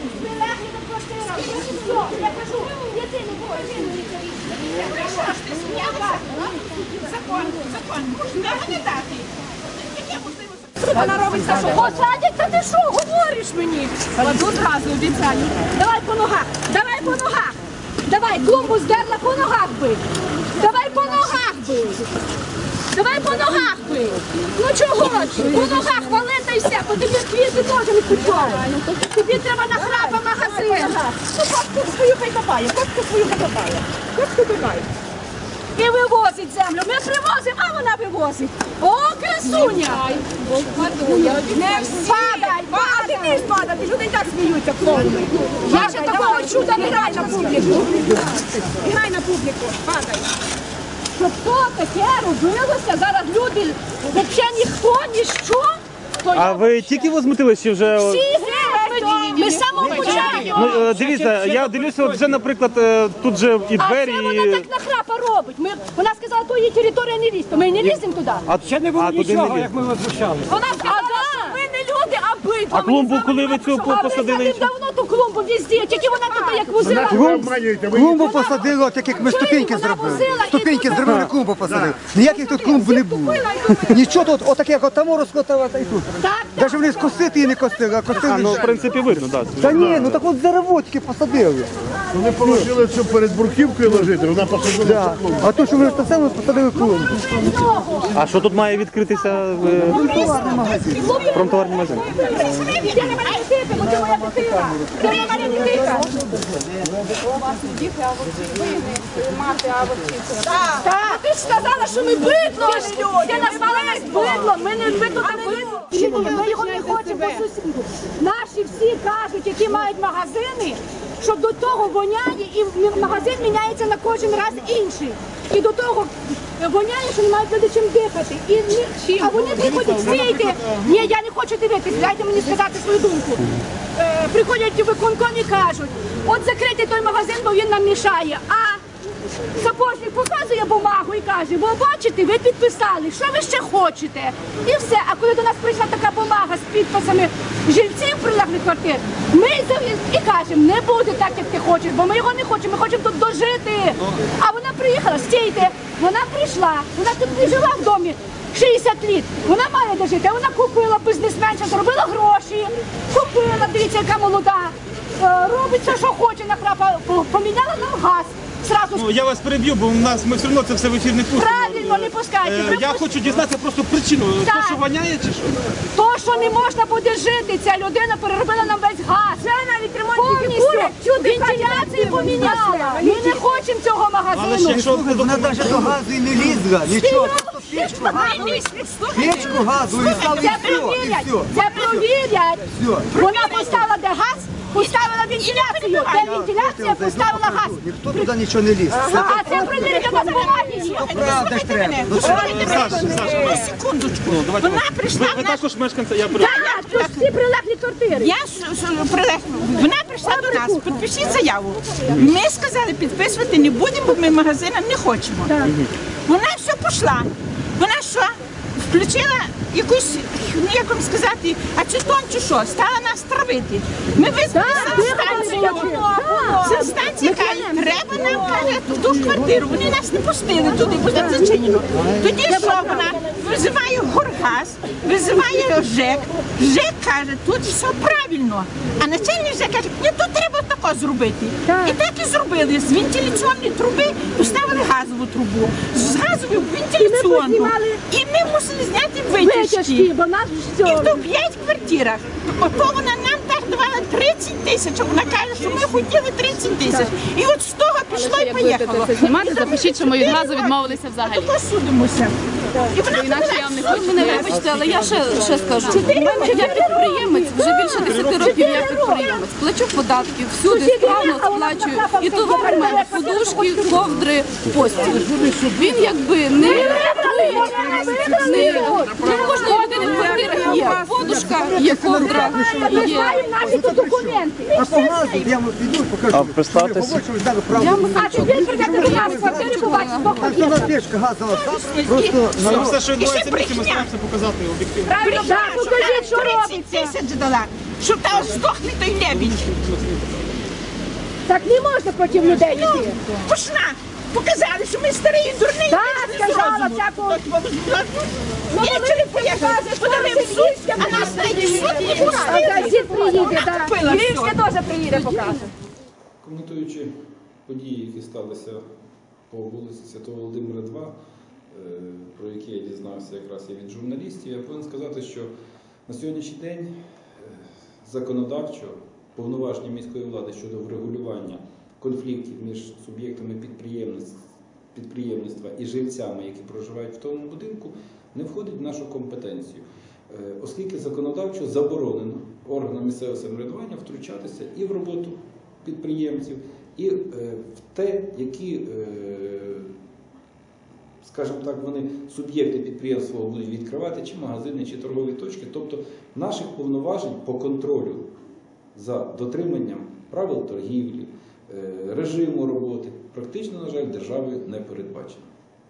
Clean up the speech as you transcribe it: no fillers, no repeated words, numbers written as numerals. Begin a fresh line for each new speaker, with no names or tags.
Прилегли до квартири. Все, я кажу, єдину
Що ж ти сміялася? Закон. Можна не дати.
Вона робить те, що посадять, та ти що, говориш мені?
Кладу зразу, обіцяю.
Давай по ногах, давай по ногах. Давай, клумбу здерла, по ногах бий. Давай по ногах бий. Давай по ногах бий. Ну чого ж? По ногах вали та й все, бо тобі квіти теж не підчувають. Тобі треба на храпа магазин.
Ну, костку свою хай копає, Костку копає.
І вивозить землю. Ми привозимо, а вона вивозить. О, красуня! Не падай,
А ти не падати, люди і так сміються, клоуни.
Я ще такого чуда не граю на публіку.
Грай на публіку, падай.
Щоб то таке робилося, зараз люди, взагалі ніхто, ніщо.
А ви тільки возмутились чи вже?
Всі геть, ми з самого початку.
Ну, дивіться, я дивлюся, от вже, наприклад, тут же і
А
двері,
це вона так нахрапа робить. Вона сказала, то її територія не лізь, то ми не ліземо туди.
Ще не було
туди не
нічого,
ліз.
як ми возмущали.
Вона сказала, що ми не люди, а битва.
А клумбу, коли ви цю посадили?
А ви давно ту клумбу везде, тільки вона тут як возила.
Клумбу посадили, так як ми ступеньки
вона
зробили.
возила і
Ступеньки
тут-
зробили, клумбу посадили. Ніяких тут клумб не було. Нічого тут, отаке, як отамо розкотала, та й тут.
Так,
Навіть вони скосити її не косили, а
А, ну,
косили.
в принципі, видно, так.
Та ні, ну так от заровотики посадили.
Вони положили цю перед бурківкою ложити, вона посадила
Да. А то, що вони ж те саме посадили клумбу.
А що тут має відкритися
Товарний магазин.
промтоварний магазин?
я не маю дитини, бо це моя дитина. Це не моя дитина. Так, ти ж сказала, що ми бидло. Ти назвала нас бидлом. Ми не бидло, а бидло. Ми його не хочемо по сусіду. Наші всі кажуть, які мають магазини, що до того воняє і магазин міняється на кожен раз інший. І до того воняє, що не мають люди чим дихати. А вони приходять, стійте. Ні, я не хочу дивитися, дайте мені сказати свою думку. Приходять у виконком і кажуть, от закрити той магазин, бо він нам мішає. А сапожник показує бумагу і каже, бо бачите, ви підписали, що ви ще хочете. І все. А коли до нас прийшла така бумага з підписами жильців прилеглих квартир, ми і кажемо, не буде так, як ти хочеш, бо ми його не хочемо, ми хочемо тут дожити. А вона приїхала, стійте, вона прийшла, вона тут не жила в домі 60 літ, вона має дожити, вона купила бізнесменша, зробила гроші, купила, дивіться, яка молода, робить все, що хоче, нахрапа, поміняла нам газ.
Ну, я вас переб'ю, бо ми все одно це все в ефір не пустимо.
Правильно, не пускайте.
Я хочу дізнатися просто причину.
Так.
То, що воняє чи що?
То, що не можна буде жити, ця людина переробила нам весь газ. Це навіть повністю вентиляцію поміняла. Ми не хочемо цього
Але ж
магазину.
якщо
Вона навіть до газу і не лізла, нічого. Печку газу і стало і
Це
все, і
провірять,
все.
це провірять.
Все.
Вона поставила де газ, поставила вентиляцію, де вентиляція поставила газ.
Ніхто туди нічого не ліз.
А це провірять, у нас бумаги є.
Правда ж треба. Ну,
Саша, секундочку. Вона прийшла
ви
в наш...
також мешканця, я переб'ю.
Так, тут всі прилеглі квартири.
Вона прийшла до нас, підпишіть заяву. Ми сказали, підписувати не будемо, бо ми магазина не хочемо. Вона все пішла. Вона що? Включила якусь, ну як вам сказати, ацетон чи що, стала нас травити. Ми визвали санстанцію. Санстанція каже, треба нам, каже, в ту квартиру. Вони нас не пустили туди, бо там зачинено. Тоді що вона? Визиває Горгаз, визиває ЖЕК. ЖЕК каже, тут все правильно. А начальник ЖЕК каже, ні, тут треба тако зробити. І так і зробили. З вентиляційної труби поставили газову трубу. З газової в вентиляційну. І ми мусили зняти витяжки.
Бо нас
І
все.
в 5 квартирах. Ото вона нам так давала 30 тисяч. Вона каже, що ми хотіли 30 тисяч. І от з того пішло і поїхало.
Це знімати, запишіть, що ми від газу відмовилися взагалі.
Тако судимося. І вона
Інакше я вам не хочу. Мене вибачте, але я ще скажу. Я підприємець, вже більше 10 років я підприємець. Плачу податки, всюди справно сплачую. І товар в мене подушки, ковдри, постіль. Він якби не в кожної людини в квартирах є подушка, є ковдра,
Ми
є.
знаємо наші тут документи.
А по газу я вам піду і покажу.
А представтесь.
Побачили, дали правду.
А тепер прийдете до нас в квартиру і побачите, хто
Так що на печка газова, так? Просто
Все, що відбувається в місті, ми стараємося показати об'єктивно.
правильно. Так, покажіть, що
30
робиться.
тисяч дала. Щоб там здохне той лебідь.
Так не можна проти людей йти.
Пошла. Показали, що ми старі і дурні.
Так, сказала, всякого.
Ввечері поїхали, подали в суд, а нас навіть в суд не
А
пустили.
газет приїде, так.
Купила
Львівське
все.
теж приїде, покаже.
Коментуючи події, які сталися по вулиці Святого Володимира 2, про які я дізнався якраз і від журналістів, я повинен сказати, що на сьогоднішній день законодавчо повноваження міської влади щодо врегулювання конфліктів між суб'єктами підприємництва і жильцями, які проживають в тому будинку, не входить в нашу компетенцію, оскільки законодавчо заборонено органам місцевого самоврядування втручатися і в роботу підприємців, і в те, які, скажімо так, вони суб'єкти підприємства будуть відкривати, чи магазини, чи торгові точки. Тобто наших повноважень по контролю за дотриманням правил торгівлі, режиму роботи практично, на жаль, державою не передбачено.